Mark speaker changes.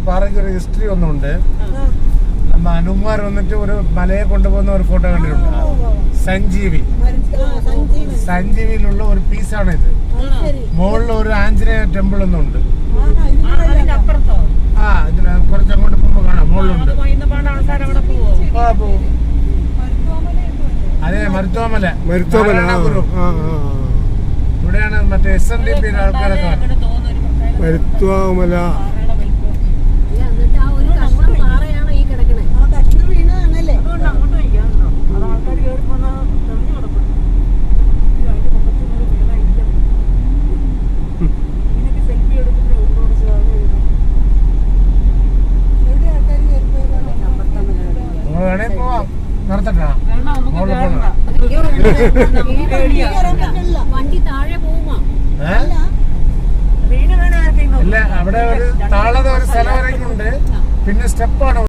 Speaker 1: പാറയ്ക്ക് ഒരു ഹിസ്റ്ററി ഒന്നുണ്ട്. നമ്മ ഹനുമാർ വന്നിട്ട് ഒരു മലയെ കൊണ്ടുപോകുന്ന ഒരു ഫോട്ടോ കണ്ടിട്ടുണ്ട്. സഞ്ജീവിയിലുള്ള ഒരു പീസാണ് ഇത്. മുകളിൽ ഒരു ആഞ്ജനേയ ടെമ്പിൾ ഒന്നുണ്ട്. ആ ഇതിന് കുറച്ചങ്ങോട്ട് പോകുമ്പോ കാണാം, മുകളിലുണ്ട്. അതെ, മരുത്തോമല. ഇവിടെയാണ് മറ്റേ SNDP ആൾക്കാരൊക്കെ.
Speaker 2: മരുത്തോമല
Speaker 1: വേണേ പോവാം, നിർത്തട്ടാ.
Speaker 3: വണ്ടി താഴെ പോവുക.
Speaker 1: ഇല്ല, അവിടെ ഒരു താഴെ ഒരു സ്ഥലം വരെയൊക്കെ ഉണ്ട്. പിന്നെ സ്റ്റെപ്പാണ്.